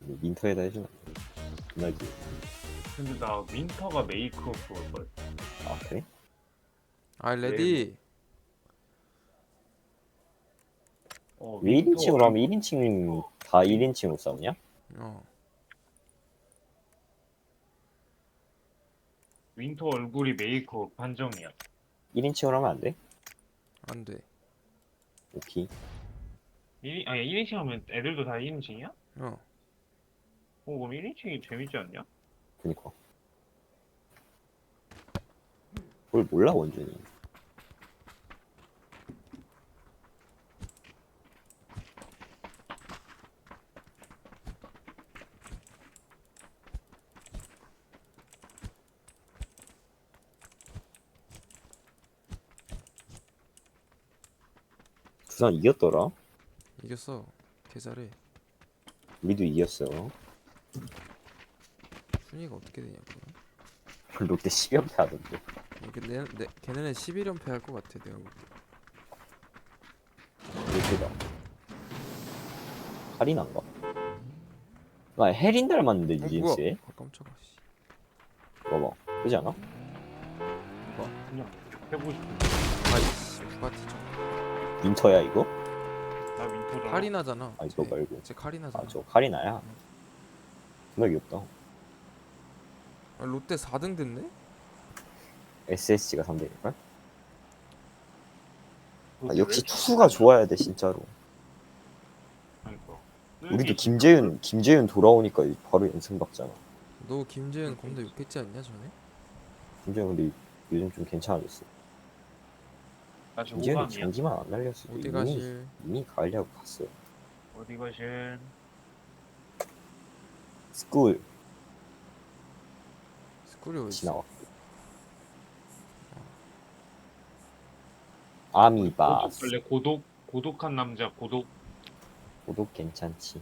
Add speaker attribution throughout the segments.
Speaker 1: 민터에다 해주나? 나기.
Speaker 2: 근데 나 윈터가 메이크업 그걸걸?
Speaker 1: 아 그래?
Speaker 3: 아
Speaker 2: 네,
Speaker 3: 레디.
Speaker 1: 왜
Speaker 2: 윈터
Speaker 1: 1인칭으로 하면 1인칭 다 1인칭으로 싸우냐?
Speaker 3: 어
Speaker 2: 윈터 얼굴이 메이크업 판정이야.
Speaker 1: 1인칭으로 하면 안 돼?
Speaker 3: 안돼.
Speaker 1: 오케이.
Speaker 2: 아니 1인칭 하면 애들도 다 1인칭이야?
Speaker 3: 어
Speaker 2: 그럼 1인칭이 재밌지 않냐?
Speaker 1: 그니까. 뭘 몰라 원준이. 두산 이겼더라?
Speaker 3: 이겼어. 개 잘해.
Speaker 1: 우리도 이겼어.
Speaker 3: 순위가 어떻게 되냐고.
Speaker 1: 롯데 10연패 하던데.
Speaker 3: 걔네는 11연패 할 것 같아 내가 볼 때.
Speaker 1: 롯데다. 할인한가? 나 해린 닮았는데 뉴진스에?
Speaker 3: 아 깜짝아 씨.
Speaker 1: 봐봐. 그지 않아?
Speaker 2: 그냥 해보고 싶은
Speaker 3: 아이씨 부가티 좀.
Speaker 1: 민터야 이거?
Speaker 2: 나 윈터잖아.
Speaker 3: 카리나잖아.
Speaker 1: 아 이거 말고.
Speaker 3: 쟤 카리나잖아.
Speaker 1: 아 저 카리나야? 정말 귀엽다.
Speaker 3: 아, 롯데 4등 됐네?
Speaker 1: SSG가 3대일걸? 아,
Speaker 2: 롯데
Speaker 1: 역시
Speaker 2: 왜
Speaker 1: 투수가 좋아야 돼 진짜로.
Speaker 2: 그러니까.
Speaker 1: 우리도 김재윤 돌아오니까 바로 연승 받잖아.
Speaker 3: 너 김재현 겁나 욕했지 않냐 전에?
Speaker 1: 김재윤 근데 요즘 좀 괜찮아졌어.
Speaker 2: 나 지금
Speaker 1: 김재윤이
Speaker 2: 5강이야.
Speaker 1: 장기만 안 날렸어.
Speaker 3: 어디 가실?
Speaker 1: 이미 가을야구 갔어.
Speaker 2: 어디 가실?
Speaker 1: 스쿨
Speaker 3: 스쿨이 어딨어?
Speaker 1: 지나와. 아미바스.
Speaker 2: 원래 고독한 남자 고독.
Speaker 1: 고독 괜찮지.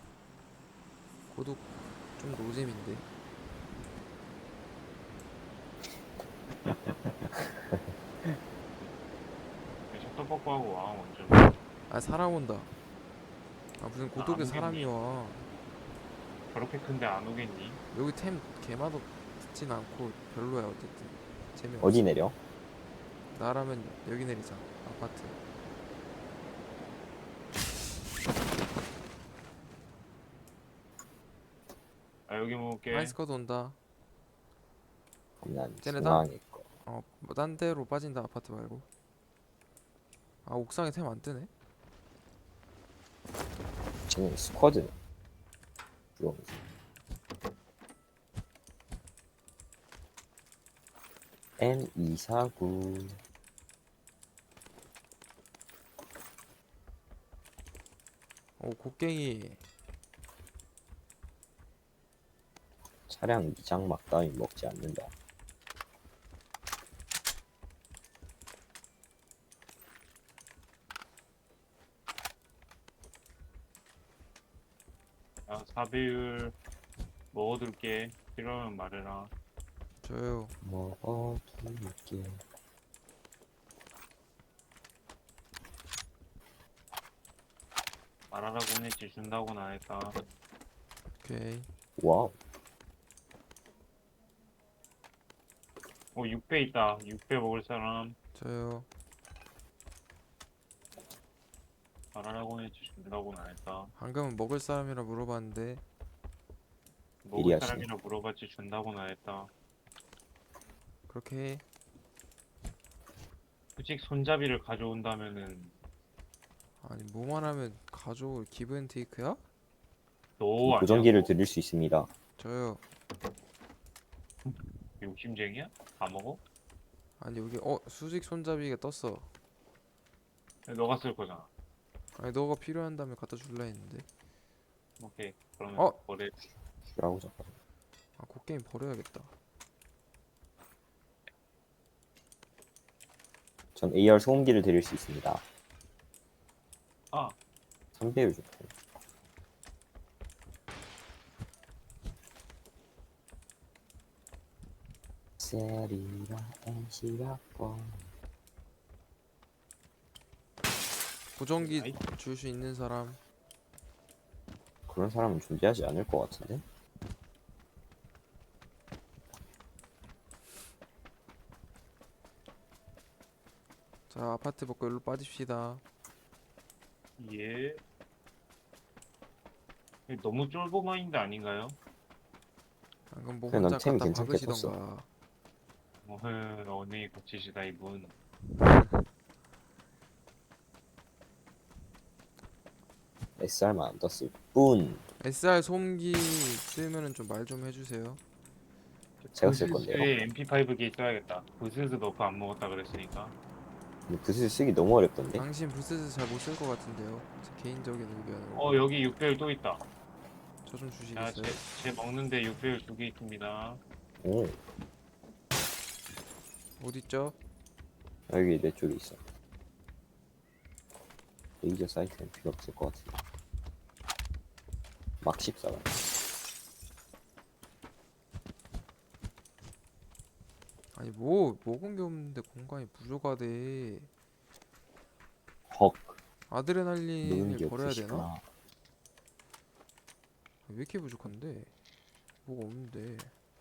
Speaker 3: 고독 좀 노잼인데.
Speaker 2: 셔터버거 하고 와 먼저.
Speaker 3: 아 사람 온다. 아 무슨 고독에
Speaker 2: 안
Speaker 3: 사람이
Speaker 2: 오겠니?
Speaker 3: 와.
Speaker 2: 저렇게 큰데 안 오겠니?
Speaker 3: 여기 템 개맛없 듣진 않고 별로야 어쨌든. 재미없어.
Speaker 1: 어디 내려?
Speaker 3: 나라면 여기 내리자. 아파트.
Speaker 2: 아 여기 먹을게.
Speaker 3: 하이스커드 온다.
Speaker 1: 그럼 난
Speaker 3: 쟤네다?
Speaker 1: 중앙에 거.
Speaker 3: 뭐 딴 데로 빠진다 아파트 말고. 아 옥상에 템 안 뜨네?
Speaker 1: 쟤는 스쿼드. 들어오면서. M249
Speaker 3: 곡괭이.
Speaker 1: 차량 이장막 따위 먹지 않는다.
Speaker 2: 아 4배율 먹어둘게. 필요하면 말해라.
Speaker 3: 저요.
Speaker 1: 먹어둘게.
Speaker 2: 말하라고 했지 준다고는 안 했다.
Speaker 3: 오케이.
Speaker 1: 와우.
Speaker 2: 6배 있다. 6배 먹을 사람.
Speaker 3: 저요.
Speaker 2: 말하라고 했지 준다고는 안 했다.
Speaker 3: 방금은 먹을 사람이라 물어봤는데.
Speaker 2: 먹을
Speaker 1: 예리하시네.
Speaker 2: 사람이라 물어봤지 준다고는 안 했다.
Speaker 3: 그렇게 해.
Speaker 2: 솔직히 손잡이를 가져온다면은
Speaker 3: 아니 뭐만 하면 가져올 기브 테이크야?
Speaker 2: 너
Speaker 1: 보정기를
Speaker 2: 아니야?
Speaker 1: 드릴 수 있습니다.
Speaker 3: 저요.
Speaker 2: 욕심쟁이야? 다 먹어?
Speaker 3: 아니 여기 수직 손잡이가 떴어.
Speaker 2: 너가 쓸 거잖아.
Speaker 3: 아니 너가 필요한다면 갖다 줄라 했는데.
Speaker 2: 오케이. 그러면
Speaker 3: 어?
Speaker 2: 버려.
Speaker 1: 라고 잠깐.
Speaker 3: 아 곡괭이 버려야겠다.
Speaker 1: 전 AR 소음기를 드릴 수 있습니다.
Speaker 2: 아
Speaker 1: 3배율 좋고. 세리라 NC가 뻔.
Speaker 3: 보정기
Speaker 2: 아이.
Speaker 3: 줄 수 있는 사람.
Speaker 1: 그런 사람은 존재하지 않을 것 같은데?
Speaker 3: 자, 아파트 먹고 일로 빠집시다.
Speaker 2: 예. 너무 쫄보 마인드 아닌가요?
Speaker 3: 방금 뭐
Speaker 1: 그래, 넌
Speaker 3: 혼자
Speaker 1: 템이
Speaker 3: 갖다
Speaker 1: 괜찮게
Speaker 3: 박으시던가.
Speaker 2: 언행이 거치시다 이분.
Speaker 1: SR만 안 떴을 뿐.
Speaker 3: SR 소음기 쓰면은 좀 말 좀 해주세요.
Speaker 1: 제가 쓸 건데요.
Speaker 2: 부스스에 MP5기 써야겠다. 부스스 너프 안 먹었다 그랬으니까.
Speaker 1: 근데 붓을 쓰기 너무 어렵던데?
Speaker 3: 당신 부스스 잘 못 쓸 것 같은데요. 제 개인적인 의견으로.
Speaker 2: 여기 6배율 또 있다.
Speaker 3: 저 좀
Speaker 2: 자,
Speaker 3: 주시겠어요?
Speaker 2: 제 먹는데 6배율 2개 있습니다.
Speaker 1: 오,
Speaker 3: 어딨죠?
Speaker 1: 여기 내 쪽에 있어. 레이저 사이트는 필요 없을 것 같은데. 막 14가.
Speaker 3: 아니 뭐 먹은 게 없는데 공간이 부족하대.
Speaker 1: 헉, 먹은
Speaker 3: 아드레날린을
Speaker 1: 게
Speaker 3: 버려야 되나?
Speaker 1: 없으시구나.
Speaker 3: 왜 이렇게 부족한데? 뭐가 없는데.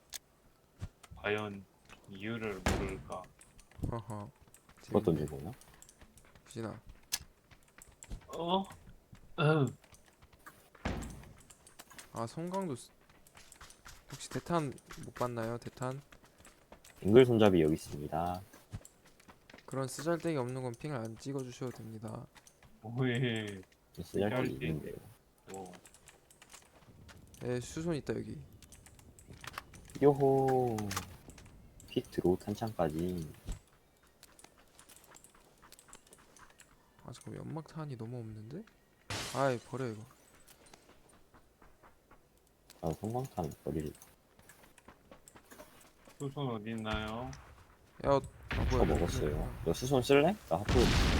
Speaker 2: 과연 이유를 모를까?
Speaker 3: 하하.
Speaker 1: 그것도
Speaker 3: 재밌네.
Speaker 1: 되구나.
Speaker 3: 부진아.
Speaker 2: 어? 음.
Speaker 3: 아 성광도 혹시 대탄 못 봤나요? 대탄?
Speaker 1: 앵글 손잡이 여기 있습니다.
Speaker 3: 그런 쓰잘데기 없는 건 핑을 안 찍어 주셔도 됩니다.
Speaker 2: 오해.
Speaker 1: 쓰잘데기
Speaker 2: 쓰잘데기.
Speaker 1: 있는데요.
Speaker 2: 뭐.
Speaker 3: 에 수손 있다 여기.
Speaker 1: 요호. 피트로 탄창까지.
Speaker 3: 아 잠깐 연막탄이 너무 없는데? 아이 버려 이거.
Speaker 1: 아, 성광탄 버릴.
Speaker 2: 수선 어디 있나요?
Speaker 3: 야
Speaker 1: 저 먹었어요. 너 수손 쓸래? 나 하프.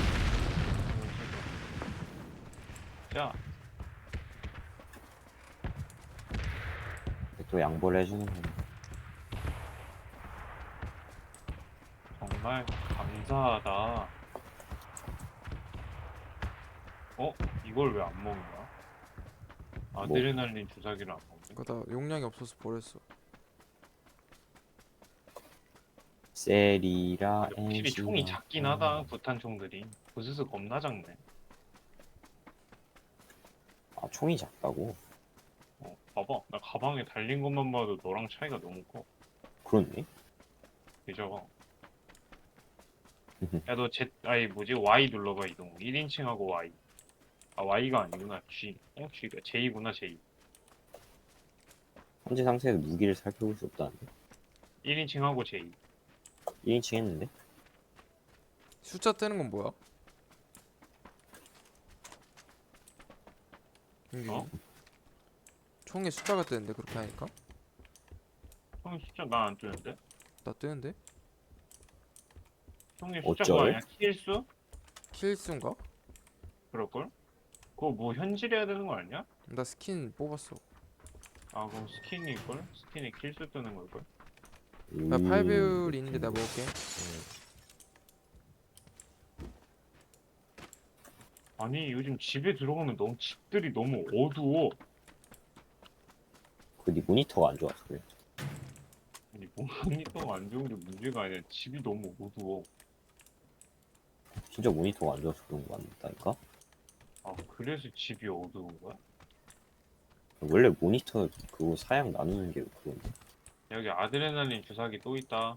Speaker 2: 자,
Speaker 1: 또 양보를 해주는 거.
Speaker 2: 정말 감사하다. 이걸 왜 안 먹냐? 아드레날린 주사기를 안 먹네.
Speaker 3: 그거 다 용량이 없어서 버렸어.
Speaker 1: 세리라
Speaker 2: 확실히 총이 작긴 하다. 부탄 총들이. 부스스 겁나 작네.
Speaker 1: 아, 총이 작다고?
Speaker 2: 봐봐. 나 가방에 달린 것만 봐도 너랑 차이가 너무 커.
Speaker 1: 그렇네?
Speaker 2: 되죠? 야, 너 Y 눌러봐, 이동. 1인칭하고 Y. 아, Y가 아니구나. G. G가 J구나, J.
Speaker 1: 현재 상태에서 무기를 살펴볼 수 없다는데?
Speaker 2: 1인칭하고 J.
Speaker 1: 1인칭 했는데?
Speaker 3: 숫자 뜨는 건 뭐야?
Speaker 2: 어?
Speaker 3: 총에 숫자가 뜨는데 그렇게 하니까?
Speaker 2: 총이 숫자 나 안 뜨는데?
Speaker 3: 나 뜨는데?
Speaker 2: 총이 숫자
Speaker 1: 어쩌요?
Speaker 2: 그거 아니야? 킬수?
Speaker 3: 킬수인가?
Speaker 2: 그럴걸? 그거 뭐 현질해야 되는 거 아니야?
Speaker 3: 나 스킨 뽑았어.
Speaker 2: 아, 그럼 스킨일걸? 스킨에 킬수 뜨는 걸걸?
Speaker 3: 나 8배율 있는데 내가 먹을게.
Speaker 2: 아니, 요즘 집에 들어가면 집들이 너무 어두워.
Speaker 1: 네 모니터가 안 좋아서 그래.
Speaker 2: 아니, 모니터가 안 좋은 게 문제가 아니라 집이 너무 어두워.
Speaker 1: 진짜 모니터가 안 좋아서 그런 거 같다니까?
Speaker 2: 아, 그래서 집이 어두운 거야?
Speaker 1: 원래 모니터 그거 사양 나누는 게 그건데.
Speaker 2: 여기 아드레날린 주사기 또 있다.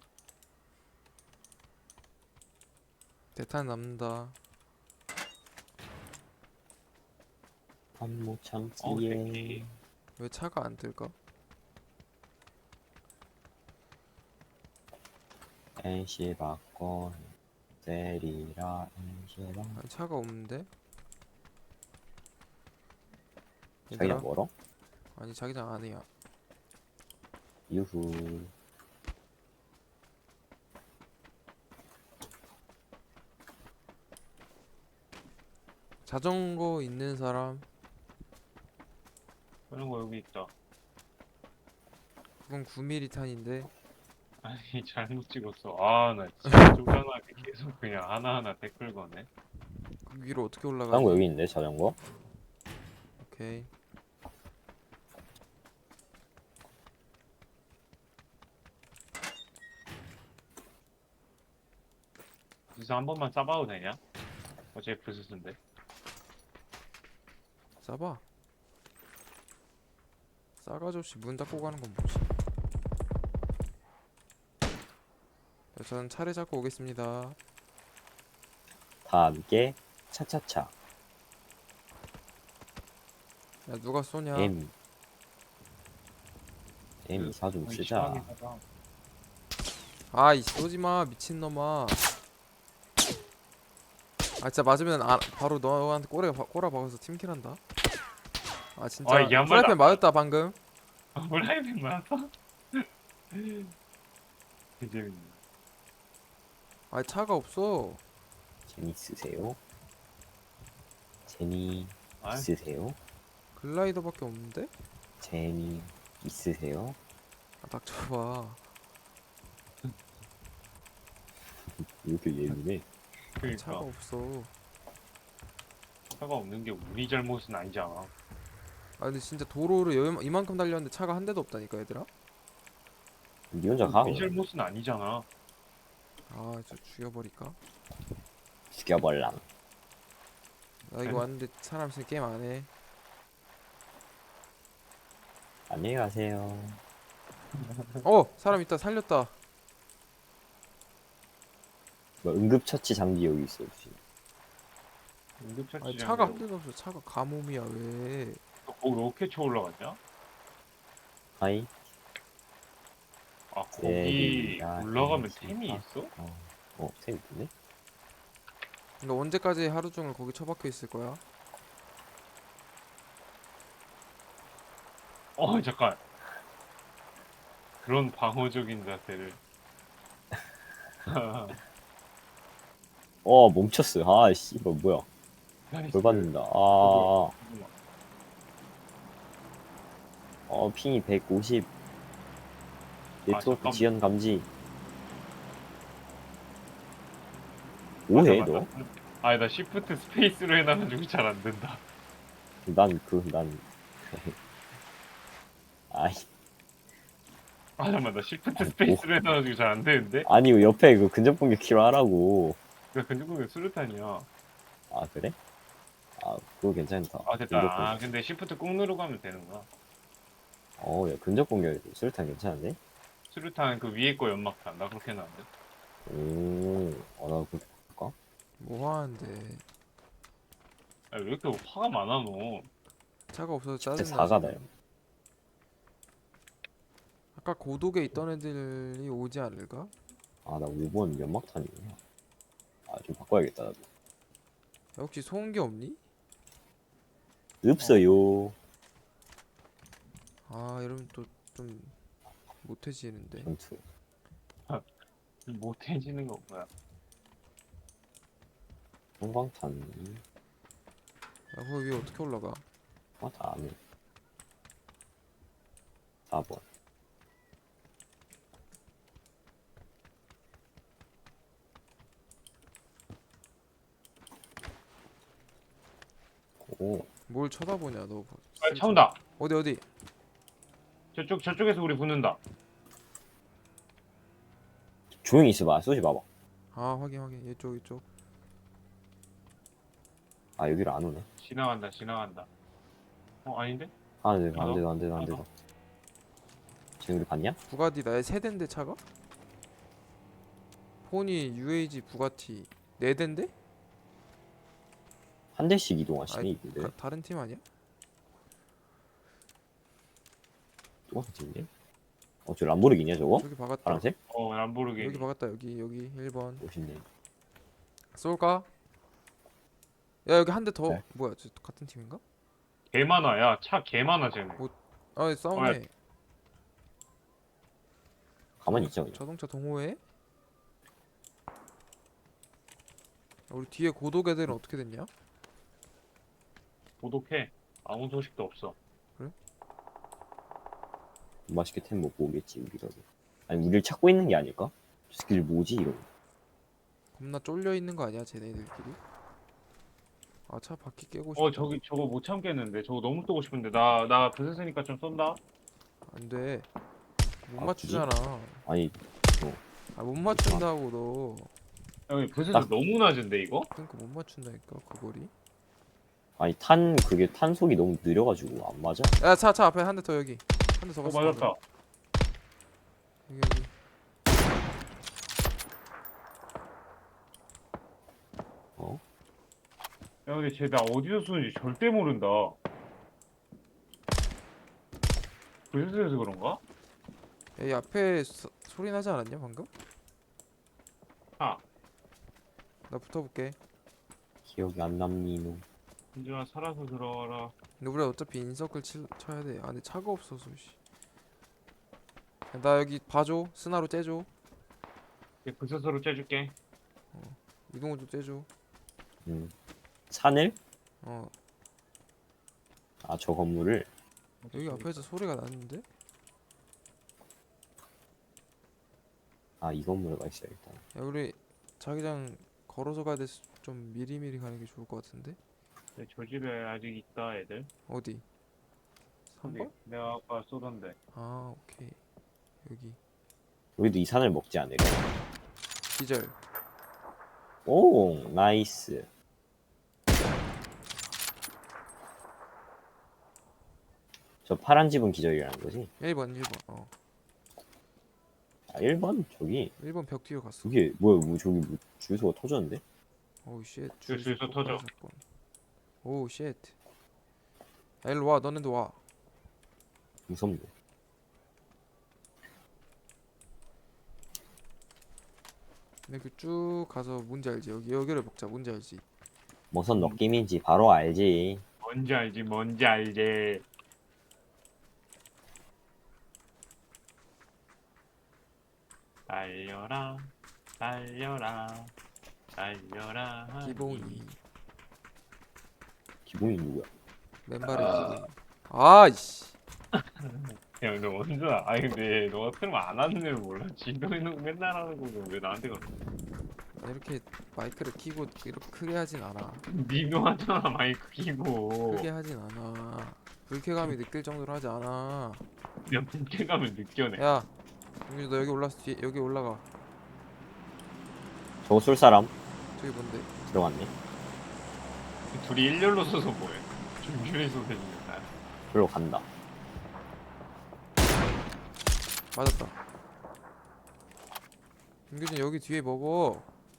Speaker 3: 대탄 남는다.
Speaker 1: 한모
Speaker 2: 새끼.
Speaker 1: 참기에
Speaker 3: 왜 차가 안 뜰까?
Speaker 1: NC 바꿔 세리라 NC 바
Speaker 3: 아니 차가 없는데?
Speaker 1: 자기랑
Speaker 3: 얘들아?
Speaker 1: 멀어?
Speaker 3: 아니 자기장 안이야.
Speaker 1: 유후.
Speaker 3: 자전거 있는 사람?
Speaker 2: 그런 거 여기 있다.
Speaker 3: 그건 9mm 탄인데.
Speaker 2: 아니, 잘못 찍었어. 아, 나 진짜 쪼잔하게 계속 그냥 하나하나 댓글 거네.
Speaker 3: 그 위로 어떻게 올라가지?
Speaker 1: 자전거 여기 있는데 자전거?
Speaker 3: 오케이.
Speaker 2: 여기서 한 번만 싸봐도 되냐? 어차피 부스스인데.
Speaker 3: 싸봐. 싸가지 없이 문 닫고 가는 건 뭐지? 자, 저는 차를 잡고 오겠습니다.
Speaker 1: 다 함께 차차차.
Speaker 3: 야, 누가 쏘냐?
Speaker 1: M 이사 좀
Speaker 2: 아니,
Speaker 1: 쓰자.
Speaker 2: 심하긴 하다.
Speaker 3: 아이, 쏘지마, 미친놈아. 아, 진짜 맞으면 바로 너한테 꼬라 박아서 팀킬한다. 아, 진짜.
Speaker 2: 아, 이게 한
Speaker 3: 프라이팬
Speaker 2: 발도 안
Speaker 3: 맞았다, 방금.
Speaker 2: 프라이팬 맞았어? 개 재밌네.
Speaker 3: 아, 차가 없어.
Speaker 1: 제니 쓰세요? 제니
Speaker 2: 아이.
Speaker 1: 있으세요?
Speaker 3: 글라이더밖에 없는데?
Speaker 1: 제니 있으세요?
Speaker 3: 아, 닥쳐봐.
Speaker 1: 왜 이렇게 예민해?
Speaker 2: 그러니까
Speaker 3: 차가 없어.
Speaker 2: 차가 없는 게 우리 잘못은 아니잖아.
Speaker 3: 아, 근데 진짜 도로를 이만큼 달렸는데 차가 한 대도 없다니까, 얘들아.
Speaker 1: 니 혼자 가?
Speaker 2: 우리
Speaker 1: 그럼.
Speaker 2: 잘못은 아니잖아.
Speaker 3: 아, 저 죽여버릴까?
Speaker 1: 죽여버랑.
Speaker 3: 나 이거 왔는데 사람 있으면 게임 안 해.
Speaker 1: 안녕히 가세요.
Speaker 3: 사람 있다, 살렸다.
Speaker 1: 뭐 응급처치 장비 여기 있어. 지금.
Speaker 2: 응급처치
Speaker 3: 아니, 차가 한 대도 없어. 차가 가뭄이야, 왜?
Speaker 2: 거기 로켓 쳐 올라갔냐?
Speaker 1: 하이.
Speaker 2: 아
Speaker 1: 네,
Speaker 2: 거기
Speaker 1: 네,
Speaker 2: 올라가면
Speaker 1: 네,
Speaker 2: 템이
Speaker 1: 네.
Speaker 2: 있어?
Speaker 1: 쌤 있네?
Speaker 3: 너 언제까지 하루 종일 거기 처박혀 있을 거야?
Speaker 2: 잠깐. 그런 방어적인 자세를.
Speaker 1: 멈췄어. 씨, 이거 뭐야? 돌 받는다. 핑이 150. 네트워크
Speaker 2: 잠깐만.
Speaker 1: 지연 감지. 뭐해,
Speaker 2: 맞아,
Speaker 1: 너?
Speaker 2: 맞아. 아니 나 시프트 스페이스로 해놔가지고 잘 안 된다.
Speaker 1: 난. 아이,
Speaker 2: 잠깐만 나 시프트
Speaker 1: 뭐.
Speaker 2: 스페이스로 해놔가지고 잘 안 되는데?
Speaker 1: 아니, 옆에 그 근접 공격 키로 하라고.
Speaker 2: 나 근접공격 수류탄이야.
Speaker 1: 아, 그래? 그거 괜찮다.
Speaker 2: 됐다.
Speaker 1: 근접 공격.
Speaker 2: 근데 시프트 꾹 누르고 하면 되는구나.
Speaker 1: 야, 근접 공격 수류탄 괜찮은데?
Speaker 2: 수류탄 그 위에 거 연막탄 나 그렇게 해놨는데.
Speaker 1: 나 그렇게 볼까?
Speaker 3: 뭐 하는데?
Speaker 2: 왜 이렇게 화가 많아 너?
Speaker 3: 차가 없어서
Speaker 1: 10대
Speaker 3: 짜증나지.
Speaker 1: 4가다요.
Speaker 3: 아까 고독에 있던 애들이 오지 않을까?
Speaker 1: 나 5번 연막탄이구나. 좀 바꿔야겠다, 나도.
Speaker 3: 야, 혹시 소음기 없니?
Speaker 1: 없어요.
Speaker 3: 이러면 또 좀 못해지는데.
Speaker 1: 전투.
Speaker 2: 못해지는 거 뭐야?
Speaker 1: 형광탄.
Speaker 3: 야, 거기 위에 어떻게 올라가?
Speaker 1: 다 안 해. 4번.
Speaker 3: 뭘 쳐다보냐, 너.
Speaker 2: 차 온다.
Speaker 3: 어디?
Speaker 2: 저쪽에서 우리 붙는다.
Speaker 1: 조용히 있어봐. 쏘지 마봐.
Speaker 3: 확인. 이쪽.
Speaker 1: 여기로 안 오네.
Speaker 2: 지나간다. 아닌데?
Speaker 1: 안 돼. 지금 우리 봤냐?
Speaker 3: 부가티 나의 세대인데 차가? 포니, UAG, 부가티 4대인데?
Speaker 1: 한 대씩 이동하시네, 이분들.
Speaker 3: 다른 팀 아니야?
Speaker 1: 똑같은 팀인데? 저 람보르기니야, 저거?
Speaker 3: 여기 박았다.
Speaker 1: 파란색?
Speaker 2: 람보르기니.
Speaker 3: 여기 박았다. 여기 1번.
Speaker 1: 멋있네.
Speaker 3: 쏠까? 야, 여기 한 대 더.
Speaker 1: 네.
Speaker 3: 뭐야? 저 같은 팀인가?
Speaker 2: 개 많아. 야, 차 개 많아 쟤네.
Speaker 3: 싸우네.
Speaker 1: 가만히 있자, 그냥.
Speaker 3: 자동차 동호회? 우리 뒤에 고독 애들은 어떻게 됐냐?
Speaker 2: 고독해. 아무 소식도 없어.
Speaker 1: 맛있게 템 먹고 오겠지, 우리라도. 아니, 우리를 찾고 있는 게 아닐까? 저 새끼들 뭐지, 이러고.
Speaker 3: 겁나 쫄려 있는 거 아니야, 쟤네들끼리? 차 바퀴 깨고 싶다.
Speaker 2: 저거 못 참겠는데. 저거 너무 쏘고 싶은데. 나 부스스니까 좀 쏜다.
Speaker 3: 안 돼. 못
Speaker 1: 굳이?
Speaker 3: 맞추잖아.
Speaker 1: 아니,
Speaker 3: 못 맞춘다고 너.
Speaker 2: 형이 부스스
Speaker 1: 딱-
Speaker 2: 너무 낮은데 이거?
Speaker 3: 그러니까 못 맞춘다니까 그 거리.
Speaker 1: 아니 그게 탄속이 너무 느려가지고 안 맞아.
Speaker 3: 야 차 앞에 한 대 더 여기. 한 대 더
Speaker 2: 어
Speaker 3: 갔어.
Speaker 2: 맞았다.
Speaker 3: 여기.
Speaker 1: 어?
Speaker 2: 야 근데 쟤 나 어디서 쏘는지 절대 모른다. 부스스에서 그런가?
Speaker 3: 야, 이 앞에 소리 나지 않았냐 방금?
Speaker 2: 아
Speaker 3: 나 붙어볼게.
Speaker 1: 기억이 안 남니 너.
Speaker 2: 민준아 살아서 들어와라.
Speaker 3: 근데 우리 어차피 인서클 쳐야 돼. 아 근데 차가 없어서 씨. 야, 나 여기 봐줘. 스나로 째줘.
Speaker 2: 부스스로 째줄게.
Speaker 3: 이동호도 째줘.
Speaker 1: 산을?
Speaker 3: 어
Speaker 1: 아 저 건물을.
Speaker 3: 여기 앞에서 소리가 나는데?
Speaker 1: 아 이 건물에 가 있어야겠다.
Speaker 3: 야 우리 자기장 걸어서 가야 돼서 좀 미리미리 가는 게 좋을 것 같은데?
Speaker 2: 네, 저 집에 아직 있다 애들.
Speaker 3: 어디?
Speaker 2: 여기
Speaker 3: 3번?
Speaker 2: 내가 아까 쏘던데.
Speaker 3: 아 오케이 여기
Speaker 1: 우리도 이 산을 먹지 않을까?
Speaker 3: 기절.
Speaker 1: 오 나이스. 저 파란 집은 기절이라는 거지?
Speaker 3: 1번
Speaker 1: 아 1번? 저기
Speaker 3: 1번 벽 뒤로 갔어.
Speaker 1: 그게 뭐야 저기 주유소가 터졌는데?
Speaker 3: 오우 쉣
Speaker 2: 주유소 터져.
Speaker 3: 오우 쉣. 야 일로 와 너네도 와.
Speaker 1: 무섭네.
Speaker 3: 이렇게 쭉 가서 뭔지 알지? 여기를 먹자. 뭔지 알지?
Speaker 1: 무슨 느낌인지 바로 알지.
Speaker 2: 뭔지 알지 뭔지 알지. 달려라 달려라 달려라 하니.
Speaker 3: 기본이
Speaker 1: 기본이 누구야?
Speaker 3: 맨발의 기본이. 아이씨.
Speaker 2: 야, 너 원준아. 아니 근데 너가 틀면 안 하는 줄 몰라. 진동이는 맨날 하는 거고 왜 나한테 가?
Speaker 3: 이렇게 마이크를 키고 이렇게 크게 하진 않아.
Speaker 2: 니도 하잖아 마이크 키고.
Speaker 3: 크게 하진 않아. 불쾌감이 느낄 정도로 하지 않아.
Speaker 2: 그냥 불쾌감을 느껴내.
Speaker 3: 야, 용준 너 여기 올라서 뒤에 여기 올라가.
Speaker 1: 저거 쏠 사람
Speaker 3: 저기 뭔데?
Speaker 1: 들어갔네.
Speaker 2: 둘이 일렬로 서서 뭐해? 중距에서 되는 거야.
Speaker 1: 별로 간다.
Speaker 3: 맞았다. 용준 여기 뒤에 먹어.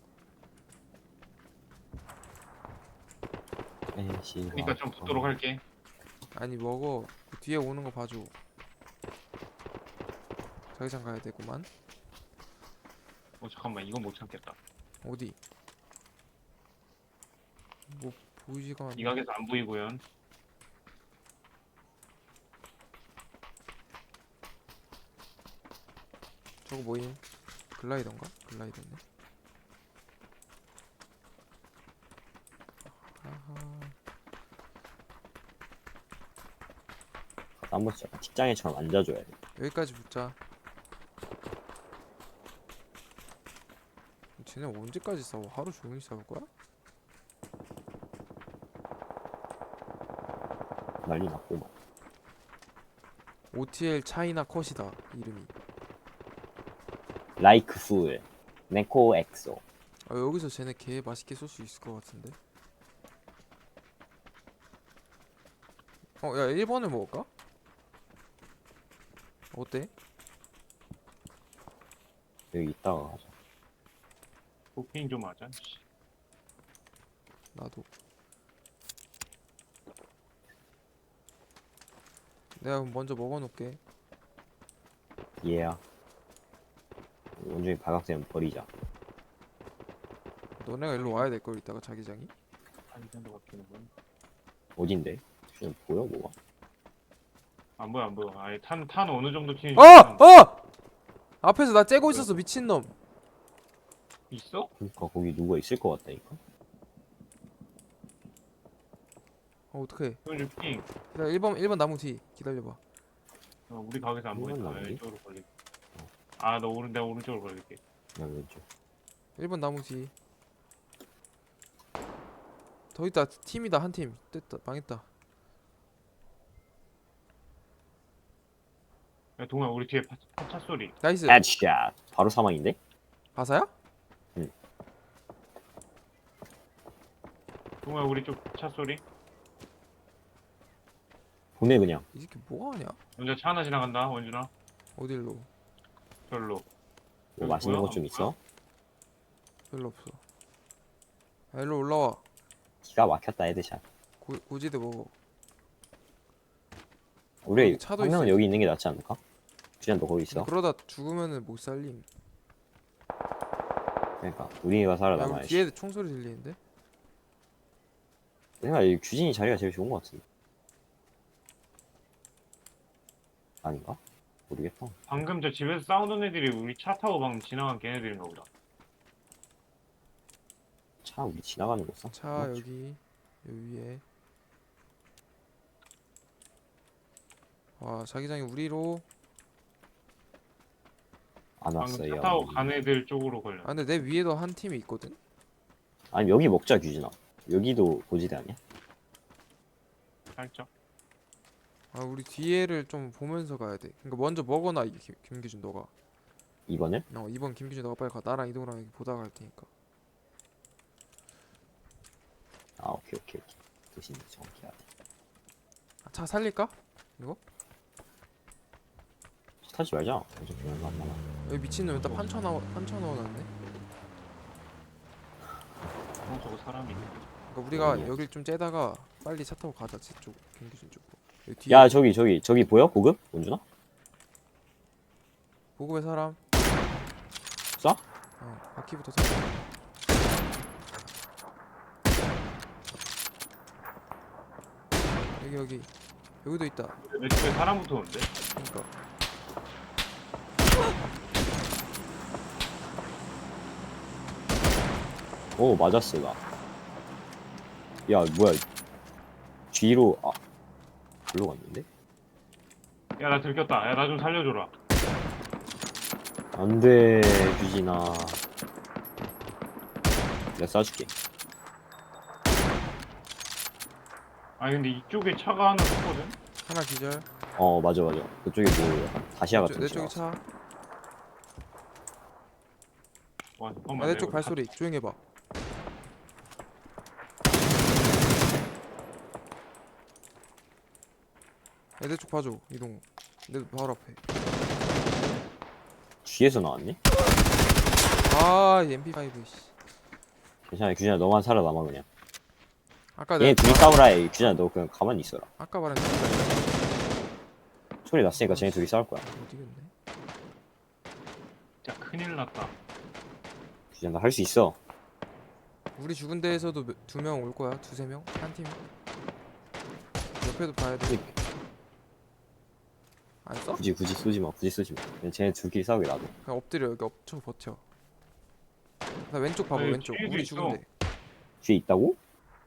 Speaker 2: 그러니까 좀 붙도록 할게.
Speaker 3: 아니 먹어. 그 뒤에 오는 거 봐줘. 자기장 가야 되구만.
Speaker 2: 잠깐만 이건 못 참겠다.
Speaker 3: 어디? 뭐 보이지가 않네.
Speaker 2: 이 가게에서 안 보이고요.
Speaker 3: 저거 뭐임? 글라이더인가? 글라이더네. 아하.
Speaker 1: 한 번씩 약간 직장인처럼 앉아줘야 돼.
Speaker 3: 여기까지 붙자. 쟤네 언제까지 싸워? 하루 종일 싸울 거야?
Speaker 1: 난리 났고 막.
Speaker 3: OTL 차이나 컷이다 이름이.
Speaker 1: 라이크 풀 네코 엑소.
Speaker 3: 아, 여기서 쟤네 개 맛있게 쏠 수 있을 것 같은데. 야 1번을 먹을까? 어때?
Speaker 1: 여기 있다가 가자.
Speaker 2: 도핑 좀 하자. 씨.
Speaker 3: 나도. 내가 그럼 먼저 먹어놓을게.
Speaker 1: 얘야. 원중이 발각되면 버리자.
Speaker 3: 너네가 일로 와야 될 걸 이따가 자기장이.
Speaker 2: 한 정도 바뀌는군.
Speaker 1: 어딘데? 지금 보여 뭐가?
Speaker 2: 안 보여 안 보여. 아니 탄 어느 정도 튀는지.
Speaker 3: 앞에서 나 째고 있었어 미친놈.
Speaker 2: 있어?
Speaker 1: 그러니까 거기 누가 있을 것 같다니까.
Speaker 3: 어떡해.
Speaker 2: 그럼 핑.
Speaker 3: 기다려 1번 나무 뒤 기다려봐.
Speaker 2: 우리 가게에서 안
Speaker 1: 이건
Speaker 2: 보인다.
Speaker 1: 나무지?
Speaker 2: 왼쪽으로 걸릴게. 아 너 내가 오른쪽으로 걸릴게.
Speaker 1: 나 왼쪽.
Speaker 3: 1번 나무 뒤. 더 있다. 팀이다 한 팀. 됐다 망했다.
Speaker 2: 야 동아 우리 뒤에 차 소리.
Speaker 3: 나이스.
Speaker 1: 헤드샷. 바로 사망인데?
Speaker 3: 바사야?
Speaker 1: 응.
Speaker 2: 동호야 우리 쪽 차 소리.
Speaker 1: 보내 그냥.
Speaker 3: 이 새끼 뭐하냐?
Speaker 2: 먼저 차 하나 지나간다 원준아.
Speaker 3: 어딜로?
Speaker 2: 별로.
Speaker 1: 뭐
Speaker 2: 여기
Speaker 1: 맛있는
Speaker 2: 뭐야?
Speaker 1: 것 좀 있어?
Speaker 3: 별로 없어. 아, 일로 올라와.
Speaker 1: 기가 막혔다 헤드샷.
Speaker 3: 고지대 먹어.
Speaker 1: 우리
Speaker 3: 여기 차도
Speaker 1: 한 명은
Speaker 3: 있어.
Speaker 1: 여기 있는 게 낫지 않을까? 주jan 너 거기 있어?
Speaker 3: 그러다 죽으면은 못 살림.
Speaker 1: 그러니까 우리가
Speaker 3: 야, 우리
Speaker 1: 살아남아야지.
Speaker 3: 뒤에 총소리 들리는데?
Speaker 1: 내가 이 규진이 자리가 제일 좋은 것 같은데. 아닌가? 모르겠다.
Speaker 2: 방금 저 집에서 싸우는 애들이 우리 차 타고 방금 지나간 걔네들인가 보다.
Speaker 1: 차 우리 지나가는 거 써?
Speaker 3: 차 여기 위에. 와 자기장이 우리로.
Speaker 1: 안
Speaker 2: 방금
Speaker 1: 왔어요.
Speaker 2: 차 타고 간 애들 쪽으로 걸려.
Speaker 3: 아 근데 내 위에도 한 팀이 있거든.
Speaker 1: 아니 여기 먹자 규진아. 여기도 고지대 아니야?
Speaker 2: 살짝.
Speaker 3: 아 우리 뒤에를 좀 보면서 가야 돼. 그러니까 먼저 먹어놔 김기준 너가.
Speaker 1: 2번을?
Speaker 3: 이번 김기준 너가 빨리 가. 나랑 이동을 하면 보다가 갈 테니까.
Speaker 1: 아 오케이. 대신 정확히 해야 돼.
Speaker 3: 아, 차 살릴까?
Speaker 1: 타지 말자. 어차피 얼마 안 남아.
Speaker 3: 여기 미친놈 일단 판쳐 넣어놨네.
Speaker 2: 저거 사람이 있네.
Speaker 3: 그러니까 우리가
Speaker 1: 어디야?
Speaker 3: 여길 좀 째다가 빨리 차 타고 가자. 저쪽 김기준 쪽으로. 여기 뒤에
Speaker 1: 야 저기 보여? 고급? 원준아?
Speaker 3: 보급의 사람.
Speaker 1: 쏴?
Speaker 3: 바퀴부터 타. 여기도 있다.
Speaker 2: 내 집에 사람 붙었는데?
Speaker 3: 그러니까
Speaker 1: 오 맞았어 나. 야 뭐야? 뒤로 글로 갔는데?
Speaker 2: 야 나 들켰다. 야 나 좀 살려줘라.
Speaker 1: 안돼 규진아. 내가 쏴줄게.
Speaker 2: 아니 근데 이쪽에 차가 하나 섰거든?
Speaker 3: 하나 기절.
Speaker 1: 맞아. 그쪽에 뭐 약간 다시아 같은
Speaker 3: 내
Speaker 1: 거
Speaker 3: 쪽에
Speaker 1: 지나갔어.
Speaker 3: 차.
Speaker 2: 와 잠깐만.
Speaker 3: 내 쪽 발소리 조용히 해봐. 내 쪽 봐줘 이동. 내 바로 앞에.
Speaker 1: 뒤에서 나왔네?
Speaker 3: 이 MP5 씨.
Speaker 1: 괜찮아 규진아 너만 살아남아 그냥.
Speaker 3: 아까
Speaker 1: 얘네
Speaker 3: 내가
Speaker 1: 둘이 싸우라 해. 규진아 너 그냥 가만히 있어라.
Speaker 3: 아까 말한 MP5
Speaker 1: 소리 났으니까 쟤네 둘이 싸울 거야.
Speaker 3: 어디겠네.
Speaker 2: 진짜 큰일 났다.
Speaker 1: 규진아 너 할 수 있어.
Speaker 3: 우리 죽은 데에서도 2명 올 거야. 2-3명? 한 팀. 옆에도 봐야 돼. 안 써?
Speaker 1: 굳이 쏘지 마. 그냥 쟤네 둘끼리 싸우게 놔둬.
Speaker 3: 그냥 엎드려. 여기 엎쳐 버텨. 나 왼쪽 봐봐.
Speaker 2: 아니,
Speaker 3: 왼쪽.
Speaker 2: 뒤에도
Speaker 3: 우리
Speaker 2: 있어.
Speaker 3: 죽은 데.
Speaker 1: 뒤에 있다고?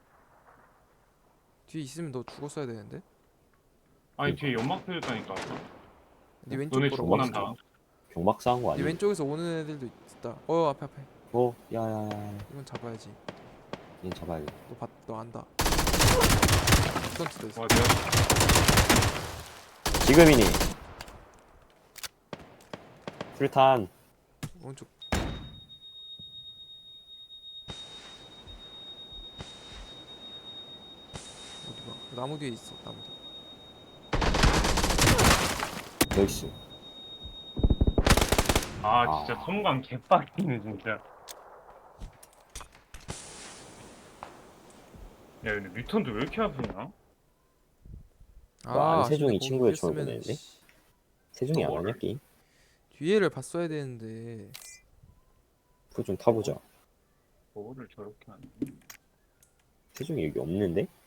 Speaker 3: 뒤에 있으면 너 죽었어야 되는데.
Speaker 2: 아니 뒤에 연막 펴졌다니까.
Speaker 3: 네 왼쪽
Speaker 2: 너네
Speaker 3: 보러
Speaker 2: 죽고
Speaker 3: 와.
Speaker 2: 난다.
Speaker 1: 경박 싸운 거
Speaker 3: 네
Speaker 1: 아니야?
Speaker 3: 왼쪽에서 오는 애들도 있다. 앞에.
Speaker 1: 야야야.
Speaker 3: 이건 잡아야지.
Speaker 1: 얘 잡아야 돼.
Speaker 3: 너 안다. 스턴트도 있어.
Speaker 2: 와 내가
Speaker 1: 지금이니. 불탄.
Speaker 3: 오른쪽. 어디 봐. 나무 뒤에 있어. 나무 뒤.
Speaker 1: 나이스.
Speaker 2: 진짜 성광 개빡이네 진짜. 야 근데 뮤턴도 왜 이렇게 아프냐?
Speaker 1: 안세종이
Speaker 3: 거기
Speaker 1: 친구의
Speaker 3: 꼈으면,
Speaker 1: 조언 보내는데?
Speaker 3: 씨,
Speaker 1: 세종이 안 하냐 게임?
Speaker 3: 뒤에를 봤어야 되는데.
Speaker 1: 그거 좀 타보자.
Speaker 2: 뭐를 저렇게 하는?
Speaker 1: 세종이 여기 없는데?